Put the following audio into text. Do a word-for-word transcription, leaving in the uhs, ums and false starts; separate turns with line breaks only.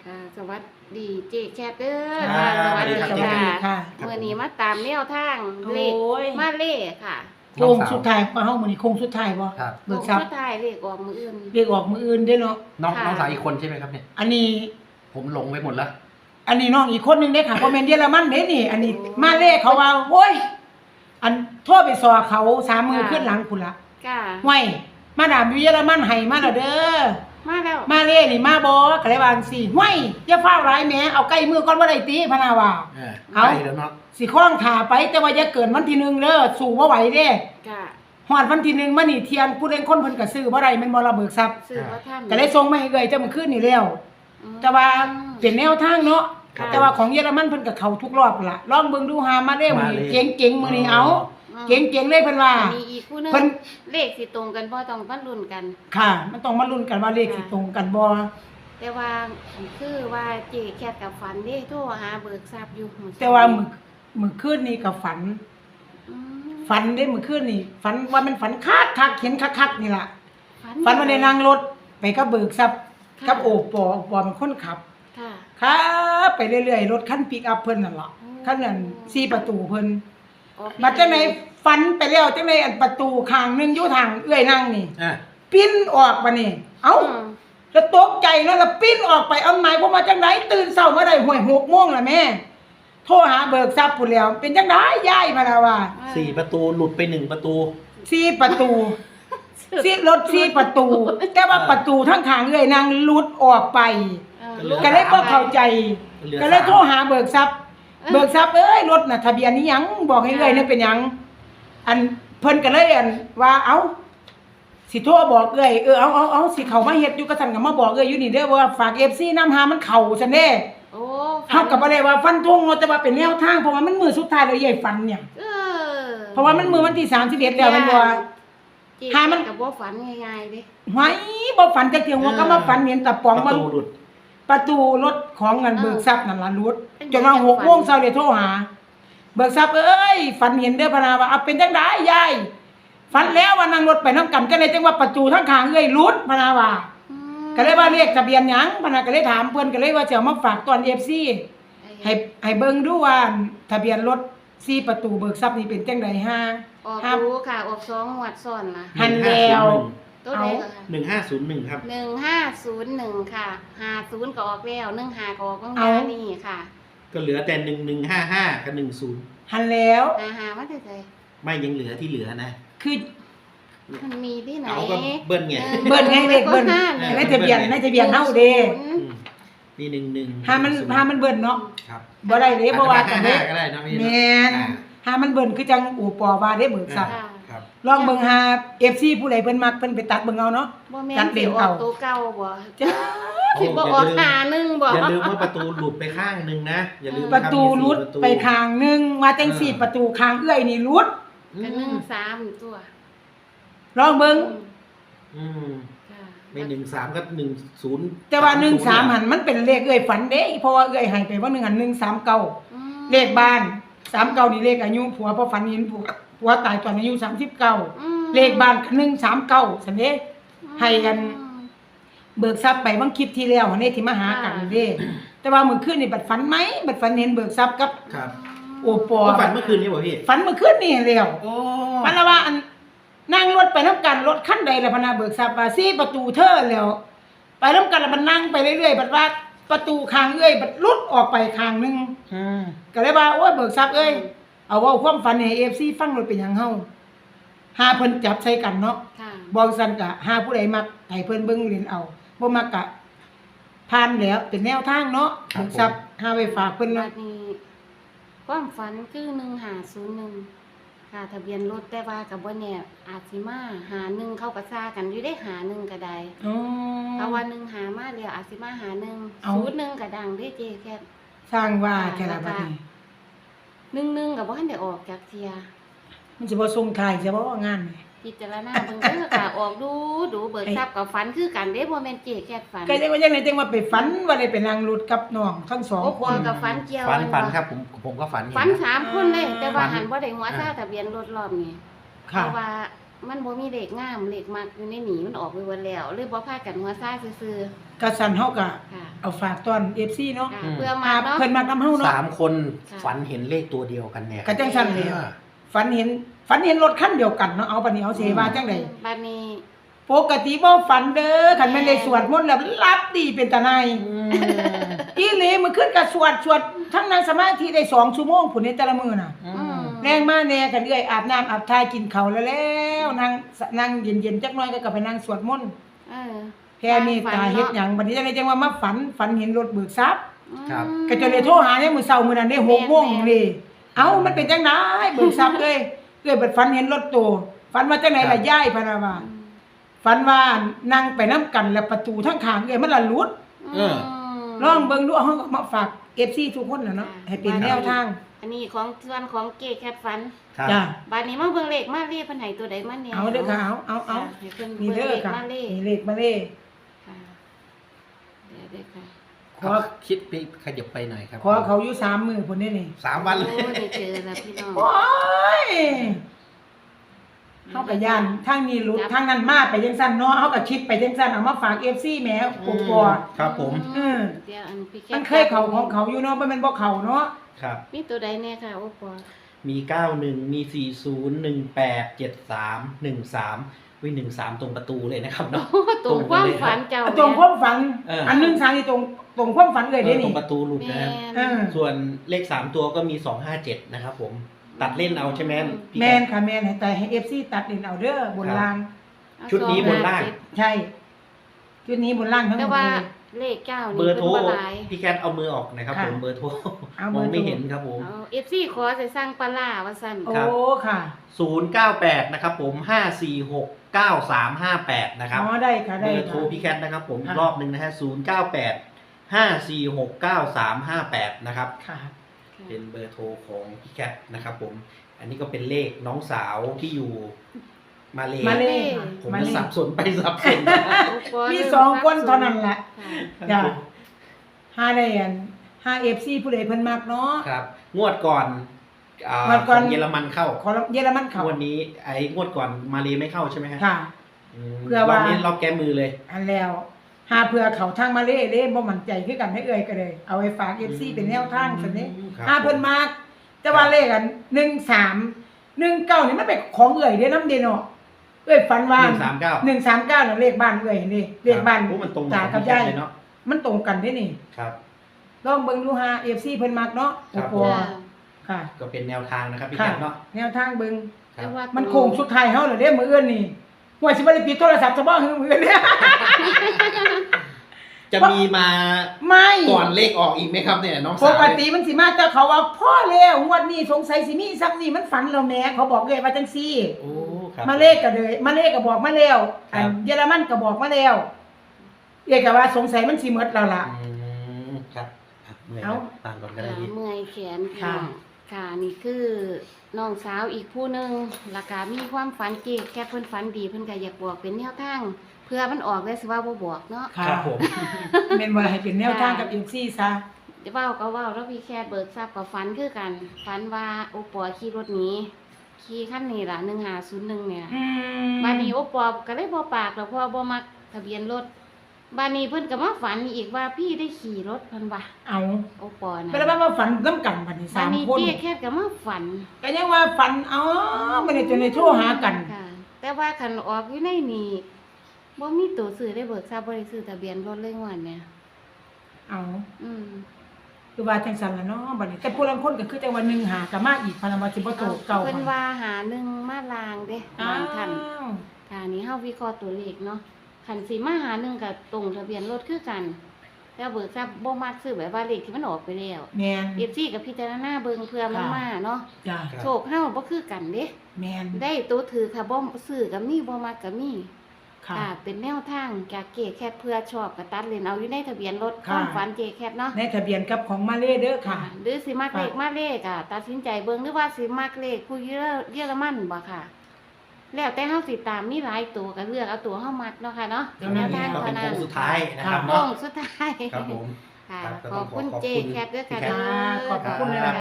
ค่ะสวัสดีเจ๊แคทเด้อ
ค่ะ
ค่ะสวัสดี
สวัสดี
ค่ะ
ค่ะ
เมื่อนี้มาตามแนวทางเลข
โอ้ย
มาเล่ค่ะ
โค้งสุดท้ายว่าเฮามื้อนี้โค้งสุดท้ายบ่
ครับ
ล
เบิ
ง
กทรัพ
สุ
ย์
ดท้ายเลขออกมืออื่น
เรียกออกมื้ออื่นเด้อเนาะ
น้อง
ค่ะ
น้องสาวอีกคนใช่ไหมครับเนี่ย
อันนี้
ผมหลงไปหมดแล้ว
อันนี้น้องอีกคนหนึงเด้ค่ะบ่แม่นเยอรมันเด้นี่ อันนี้
โอ้
มาเลเขาว่าโอ้ยอันโทรไปสอเขาสามมือขึ้นหลังพุ่นละ
ค่ะ
ห้วยมาดามอยู่เยอรมันให้มาแล้วเด้อ
มาแล้ว
มาเล่นี่มาบ่ก็เลยว่าจังซี่ห้วยอย่าฟ้าวหลายแหมเอาใกล้มือก่อนบ่ได้ติพะนาว่า
เออ
เอา
ไปแล้วเนาะ
สิคล้องขาไปแต่ว่าอย่าเกินวันที่หนึ่งเด้อสู้บ่ไหวเด้
ค่ะ
ฮอดวันที่หนึ่งมานี่เที่ยงผู้เล่นคนเพิ่นก็ซื้อบ่ได้แม่นบ่ระเบิกทรัพย์
ซื้อว่าท่าน
ก็เลยส่งมาให้เอ้ยเจ้ามื้อคืนนี่แล้ว
อืม
แต่ว่าเป็นแนวทางเนาะ
ค่ะ
แต่ว่าของเยอรมันเพิ่นก็เข้าทุกรอบล่ะลองเบิ่งดูหามาเด้อมื้อนี้เก่งๆมื้อนี้เอา
อืม
เก่งๆเลยเพิ่นว่า
มีอีกผู้หนึง
เพิ่น
เลขสิตรงกันบ่ต้องมาลุ้นกัน
ค่ะ มันต้องมาลุ้นกันว่าเลขสิตรงกันบ่
แต่ว่าคือว่าเจ๊แคทกับฝันเด้โทรหาเบิกทรัพย์อยู่มื้อ
แต่ว่ามื้อมื้อคืนนี้ก็ฝัน
อืม
ฝันได้มื้อคืนนี่ฝันว่ามันฝันคักคักเห็นคักๆนี่ล่ะฝันว่าได้นั่งรถไปกับเบิกทรัพย์กับโอปอโอปอเป็นคนขับ
ค่ะ
ครับไปเรื่อยๆรถคันปิกอัพเพิ่นนั่นล่ะ
อืม
คันนั้นสี่ประตูเพิ่น
ออก
บัดจังได๋ฝันไปแล้วจังได๋อันประตูข้างหนึงอยู่ทางเอื้อยนั่งนี่
อ่ะ
ปิ้นออกบัดนี้เอ้า
อืม
แล้วตกใจเนาะแล้วปิ้นออกไปเอาหมายความว่าจังได๋ตื่นเช้ามาได้ห้วยหกโมงแล้วแม่โทรหาเบิกทรัพย์พุ่นแล้วเป็นจังได๋ยายมาแล้วว่า
สี่ประตูหลุดไปหนึ่งประตู
สี่ประตูสี่รถสี่ประตู แต่ว่าประตูทั้งข้างเอื้อยนั่งหลุดออกไป
เออ
หลือ
ก็เลยบ่เข้าใจ
เหลือ
ก็เลยโทรหาเบิกทรัพย์
เออ
เบิกทรัพย์เอ้ยรถน่ะทะเบียนนี้หยังบอกให้เอ้ยนั่นเป็นหยังอันเพิ่นก็เลยอันว่าเอ้าสิโทรบอกเอ้ยเออเอาเอาเอาสิเข้ามาเฮ็ดอยู่กะซั่นก็มาบอกเอ้ยอยู่นี่เด้อว่าฝาก เอฟ ซี นำหามันเข้าซั่นเด้
โอ้
เฮาก็บ่ได้ว่าฟันธงว่าแต่ว่าเป็นแนวทางเพราะว่ามันมื้อสุดท้ายแล้วยายฝันเนี่ย
เออ
เพราะว่ามันมื้อวันที่สามสิบเอ็ดแล้วแมันบ่ว่า
เจ๊
หามัน
กับบ่ฝันง่ายๆเด้
หวยบ่ฝันจักเที่ยว่าก็มาฝันเห็นตะปอง
ป
มัน
ระตูหลุด
ประตูรถของเงินเบิกทรัพย์นั่นล่ะรุด
เป็น
จนว่า
จัง
หก
ฝัน
โมงเช้าเลยโทรหา เบิกทรัพย์เอ้ยฝันเห็นเด้อพะนาว่าเอาเป็นจังได๋ยายฝันแล้วว่านั่งรถไปนำกันจังได๋จังว่าประตูทั้งข้างเอ้ยรุดพะนาว่า
อืม
ก็เลยว่าเลขทะเบียนหยังพะนาก็เลยถามเพิ่นก็เลยว่าจะเอามาฝากตอน เอฟ ซี ให้ให้เบิ่งดูว่าทะเบียนรถสี่ประตูเบิกทรัพย์นี่เป็นจังได๋ฮะ
ออก
ครับ
รู้ค่ะออกสองงวดซ้อนล่ะ
หันแล้ว
ตัวใดก็ค่ะ
หนึ่งห้าศูนย์หนึ่งครับ
หนึ่งห้าศูนย์หนึ่งค่ะห้าศูนย์ก็ออกแล้วหนึ่งห้าก็ออกเมื่อ
เอา
วานนี่ค่ะ
ก็เหลือแต่หนึ่งหนึ่งห้าห้ากับหนึ่งศูนย์
หันแล้ว
หาหาว่าจะได
ไม่ยังเหลือที่เหลือนะ
คือ
มันมีที่ไหน
เอาก็เบิ้ลไง
ออ
เบิ้ลไงเลขเบิ้ล
ห้า
เออ
ในทะเบียนในทะเบียนเฮาเด้
อืมนี่หนึ่งหนึ่ง
หามันหามันเบิ่นเนาะ
ครับ
บ่ได้เด้บ่ว่ากันเด้
ก็ได้นะพี่
แม่น
อ่า
หามันเบิ่นคือจังอู่ปอว่าเด้เบิกทรัพย์
ค่ะ
ครับ
ลองเบิ่งหา เอฟ ซี ผู้ใดเพิ่นมักเพิ่นไปตัดเบิ่งเอาเนาะ
บ่แม่
จั
น
ดเด่
สิ
น
ออ
เอา
กตัวเก่าบ่
จ้า
สิบ่ออกหาหนึ่งบ่
อย่าลืมว่าประตูหลุดไปข้างหนึ่งนะอย่าลืม
ประตูรุดไปข้างหนึงมาจังสี่ประตูข้างเอื้อยนี่รุด
อื
ก็หนึ่ง
ม
สามตัว
ลองเบิ่ง
อืม
ค่ะ
ไม่หนึ่งสามก็หนึ่งศูนย์
แต่ว่าหนึ่งสามหันมันเป็นเลขเอื้อยฝันเด้เพราะว่าเอื้อยให้ไปว่าหนึ่งหันหนึ่งสามเก้า
อืม
เลขบ้านสามเก้านี่เลขอายุผัวเพราะฝันเห็นผัวผัวตายตอนอายุสามสิบเก้า
อืม
เลขบ้านหนึ่งสามเก้าสันเด้ ให้กัน เบิกทรัพย์ไปบางคลิปที่แล้วหันเด้ที่มาหากันเด้ แต่ว่ามื้อคืนนี่บัดฝันไหมบัดฝันเห็นเบิกทรัพย์กับ
ครับ
โอปอ
ก็ฝันเมื่อคืนนี้ป่ะพี่
ฝันเมื่อคืนนี่แล้ว
โอ้
ฝันแล้วว่าอันนั่งรถไปนํกันรถคันใดล่ะพะนาเบิกทรัพย์ว่าสี่ประตูเธอแล้ว ไปนํกันแล้วมันนั่งไปเรื่อยๆบัดว่าประตูข้างเอ้ยบัดหลุดออกไปข้างหนึง
อืม
ก็เลยว่าโอ้ยเบิกทรัพย์เอ้ยเอาเว้าความฝันให้ เอฟ ซี ฟังเลยเป็นหยังเฮาหาเพิ่นจับใส่กันเนาะ
ค่ะ
บ่ซั่นก็หาผู้ใดมักให้เพิ่นเบิ่งเล่นเอาบ่มักก็ผ่านแล้วเป็นแนวทางเนาะเบิกทรัพย์หาไว้ฝากเพิ่น
บั
เนาะ
ดนี้ความฝันคือหนึ่งห้าศูนย์หนึ่งค่ะทะเบียนรถแต่ว่ากับบ่แน่อาจสิมาหาหนึ่งเข้าก็ซ่ากันอยู่ได้หาหนึ่งก็ได้
อ๋อ
เพราะว่าหนึ่งหามาแล้วอาจสิมาหาหนึ่ง
เอา
ศูนย์หนึ่งก็ดังเด้เจแค่
สร้างว่าแค่ละบัดนี้
หนึ่งหนึ่งก็บ่ทันได้ออกจากเทีย
มันสิบ่ส่งท้ายสิบ่งานนี่
พิจารณาเบิ่งเด้อค่ะออกดูดูเบิกทรัพย์กับฝันคือกันเด้บ่แม่นเจแค่ฝัน
ก็จังว่าจังได๋จังว่าไปฝันว่าได้ไปนั่งรถกับน้องทั้งสอง
โอ้
ค
พอน กับฝันเกี่ยว
ฝันฝัน
บ่
ครับผมผมก็ฝันเห็
ฝัน
นะ
สามคนเลยแต่ว่า
ฝัน
หันบ่ได้หัวซ่าทะเบียนรถรอบนี้เพ
ค่ะ
ราะว่ามันบ่มีเลขงามเลขมักอยู่ในหนีมันออกไปหมดแล้วเลยบ่พากันหัวซ่าซื่อก
ระสันเฮาก็
ๆค่ะ
เอาฝากตอน เอฟ ซี เนาะ
ค่ะ
อืม
เพื่อ
มา
มาเนาะ
เพิ่นมักนำเฮาเนาะ
สามคน
ค่ะ
ฝันเห็นเลขตัวเดียวกันเนี่ย
ก็จังซั่นเลยฝันเห็นฝันเห็นรถคันเดียวกันเนาะเอาบัดนี้เอาสิให้ว่าจังได๋
บัดนี้
ปกติบ่ฝันเด้อคันแม่นได้สวดมนต์แล้วรับดีเป็นตาในาย
อืม
อีหลีมื้อคืนก็สวดสวดทั้งนั่งสมาธิได้สองชั่วโมงพุ่นในแต่ละมื้อน่ะ
อื
อื
ม
ม
แรงมาแน่กันเอื้อยอาบน้ำอาบทากินข้าวแล้วแล้วนั่งนั่งเย็นๆจักหน่อยก็กลับไปนั่งสวดมนต์
เออ
แผ่เมตตาเฮ็ดหยังบัดนี้จังได๋จังว่ามาฝันฝันเห็นรถเบิกทรัพย์
ครับ
อืม
ก็จะเลยโทรหาเนี่ยมื้อเช้ามื้อนั้นได้หกโมงนี่เอ้ามันเป็นจังได๋เบิกทรัพย์เอ้ยเอ้ยเบิดฝันเห็นรถโตฝันว่าจังได๋ล่ะยายพะนะว่า
อืม
ฝันว่านั่งไปนํกันแล้วประตูทั้งข้างเอ้ยมันละหลุด
เออ
ลองเบิ่งดูเฮามาฝาก เอฟ ซี ทุกคนน่ะเนาะให้เป็นแนวทาง
อันนี้ของส่วนของเกแคทฟัน
ครับ
จ้ะ
บัดนี้มาเบิ่งเลขมาเลขเพิ่นให้ตัวใดมาแน่
เอาเด้อค่ะเอาเอาเอา
ให้เพิ่น
นี่
เบิ่ง
เด้อ
เลข
ค่ะ
มาเลข
นี่เลขมาเลข
ค่ะเดี๋ยวเด้อค่ะ
ขอ
คิดไปขยับไปหน่อยครับ
ขอเขาอยู่สามมื้อพุ่นนี่นี่
สามวันเลย
โอ้ได้เจอแล้วพี่น้อง
โอ้ยเฮาก็ย่านทางนี้หลุดทางนั้นมาไปจังซั่นเนาะเฮาก็คิดไปจังซั่นเอามาฝาก เอฟ ซี แหมกกอ
ครับผม
เออ
เดี๋ยวอันพี่แคท
มันเคยเข้าของเขาอยู่เนาะบ่แม่นบ่เข้าเนาะ
ครับ
มีตัวใดแน่ค่ะโอ้ปอ
มีเก้าหนึ่งมีสี่ศูนย์หนึ่งแปดเจ็ดสามหนึ่งสามวิหนึ่งสามตรงประตูเลยนะครับเนาะ
โอ้ตรงความฝันเจ้า
อ่ะตรงความฝัน
เอออั
อันหนึงทางนี่ตรงตรงความฝันเลย
เอ
เด้
อตร
นี่
งประตูหลุด
แม่
นะครับ
เออ
ส่วนเลขสามตัวก็มีสองห้าเจ็ดนะครับผม ตัดเล่นเอาใช่ไหมพี่
แม่น
แก
ค่ะแม่นให้แต่ให้ เอฟ ซี ตัดเล่นเอาเด้อบนล่าง
เอา
ชุดนี้บนล่าง
สอห้เจ็ด
ใช่ ชุดนี้บนล่างทั้งหม
แต่
ด
ว่า
เลย
เลขเก้า
เบ
นี่
อร์โทร
เพิ่นบ่หลาย
พี่แคทเอามือออกนะครับ
ค่ะ
ผมเบอร์โทร
เอา
ม
เบอ
อง
ร์โทร
ไม่เห็นครับผม
เอา เอฟ ซี ขอใส่สร้างปลาร้าว่าซั่น
โอ้
ครับ
ค่ะ
ศูนย์เก้าแปดนะครับผมห้าสี่หกเก้าสามห้าแปดนะครับ
อ๋อได้ค่ะ
เบ
ได้
อร์โทร
ค่ะ
พี่แคทนะครับผมอี
ค่ะ
กรอบหนึ่งนะฮะศูนย์เก้าแปดห้าสี่หกเก้าสามห้าแปดนะครับ
ค่ะ
เป็นเบอร์โทรของพี่แคทนะครับผม อันนี้ก็เป็นเลขน้องสาวที่อยู่มาเล
มาเล
เล่
ค่ะ
ผม
มา
จะ
เล
สับสนไปสับสน
โอ้ป
มีสองคนเท่านั้นแหละ
ค่ะ
จ้ะห้าได้อันห้า เอฟ ซี ผู้ใดเพิ่นมักเนาะ
ครับ งวดก่อนอ่าง
วดก่อน
ของเยอรมันเข้า
ขอเยอรมันเขา
งวดนี้ไอ้งวดก่อนมาเลไม่เข้าใช่ไหมฮะ
ค่ะ
ม
เพื่อว่า
รบนี้เราแก้มือเลย
อันแล้วหาเพื่อเขาทางมาเล่เล่บ่มั่นใจคือกันให้เอ่ยก็เลย เอาไว้ฝาก เอฟ ซี เป็นแนวทางซั่นนี้
ครับ
หาเพิ่นมักแต่ว่าเลขอันหนึ่งสาม หนึ่งเก้านี่มันเป็นของเอ่ยเด้นำเด้เนาะเอ้ยฝันว่า
หนึ่งสามเก้า
หนึ่งสามเก้าน่ะเลขบ้านเอ่ยนี่เลขบ้าน
โอ้มันตรง
ตากับ
พี่แค
ยา
ท
ย
เลยเนาะ
มันตรงกันเด้นี่
ครับ
ลองเบิ่งดูหา เอฟ ซี เพิ่นมักเนาะ
ครับ
โอ้โห
จ้ะ
ค่ะ
ก็เป็นแนวทางนะครับพี่
ค่ะ
แคทเนาะ
แนวทางเบิ่ง
ครั
แต่
บ
ว่า
มันโค้งสุดท้ายเฮาเหรอเด้มื้ออื่นนี่ว่าสิบ่ได้ปิดโทรศัพท์ซะบ่ฮือมื้ออื่นเนี่ย
จะมีมา
ไม่
ก่อนเลขออกอีกไหมครับเนี่ยน้อง
ป
สาว
กติมันสิมาแต่เขาว่าพ่อแล้วงวดนี้สงสัยสิมีซ้ำนี่มันฝันแล้วแหม่เขาบอกเลยว่าจังซี่
โอ้ครับ
มาเลขก็เลยมาเลขก็บอกมาแล้ว
ครับ
อันเยอรมันก็บอกมาแล้วเรียกว่าสงสัยมันสิหมดแล้วล่ะ
อืมครับอ่ะเมื่อย
เอา
แล้วต่างก่อนก็ได้
ค่ะ
พี่
เมื่อยแขน
ค่ะ
ค่ะค่ะนี่คือน้องสาวอีกผู้หนึงราคามีความฝันเกแค่เพิ่นฝันดีเพิ่นก็อยากบอกเป็นแนวทางเพื่อมันออกได้สิว่าบ่บอกเนาะ
ค่ะ
ครับผม
แม่นบ่ให้เป็นแนวทางกับ เอฟ ซี ซะ
เดี๋ยวเว้าก็เว้าแล้วพี่แคทเบิกทราบก็ฝันคือกันฝันว่าโอปอขี่รถหนีขี่คันนี้ล่ะหนึ่งห้าศูนย์หนึ่งเนี่ย
อืม
บ้านนี้โอปอก็เลยบ่ปากแล้วเพราะว่าบ่มักทะเบียนรถบ้านนี้เพิ่นก็มาฝันอีกว่าพี่ได้ขี่รถเพิ่นว่า
เอา
โอปอนะ
เป็นว่ามาฝันนํกันบัดนี้
บ้า
สาน ม
นี้
คน
เจ๊แค่ก็มาฝัน
ก็ยังว่าฝันอ๋อบ่ได้จนได้โทรหากัน
ค่ะ แต่ว่าคันออกอยู่ในนี่บ่มีตัวซื้อได้เบิกทราบบ่ได้ซื้อทะเบียนรถเลยงวดเนี่ย
เอา
อืม
คือว่าจังซั่นล่ะเนาะบัดนี้แต่ผู้ลางคนก็คือจังว่าหนึ่งหาก็มาอีกพะนะว่าสิบ่โตเก่า
เพิ่นว่าหาหนึ่งมาลางเด้
อ้า
บางท่าน
ว
ค่ะนี่เฮาวิเคราะห์ตัวเลขเนาะคันสิมาหาหนึ่งกับตรงทะเบียนรถคือกันแต่เบิกทราบบ่มักซื้อแบบว่าเลขที่มันออกไปแล้ว
แม่น
เอฟซีกับพิจารณาเบิ่งเพื่อมัน
ค่ะ
มาเนาะ
จ้ะ
โชคเฮาบ่คือกันเด้
แม่น
ได้ตัวถือค่ะบ่ซื้อก็มีบ่มักก็มี
ค่ะ
ค่ะเป็นแนวทางจากเกแคทเพื่อชอบก็ตัดเลนเอาอยู่ในทะเบียนรถค
ค่ะ
วามฝันเจแคทเนาะ
ในทะเบียนกับของมาเลเด้อค่ะ
หรือสิมักเลข
ค่ะ
มาเลขอ่ะตัดสินใจเบิ่งหรือว่าสิมักเลขผู้เยอเยอรมันบ่ค่ะ แล้วแต่เฮาสิตามมีหลายตัวก็เลือกเอาตัวเฮามักเนาะค่ะเนาะเป็นแนวทาง
ก็
เท่า
เป็น
นั้
โค้
น
งสุดท้ายนะครับ
โค้
เนาะ
งสุดท้าย
ครับผม
ค่ะ
ครับก็
ข
ต้
อ
อบ งขอ
คุณ
ขอบ
เจ
คุณ
แคทด้วยค่ะ
พี่แคท
เด้อ
ขอบคุณเลย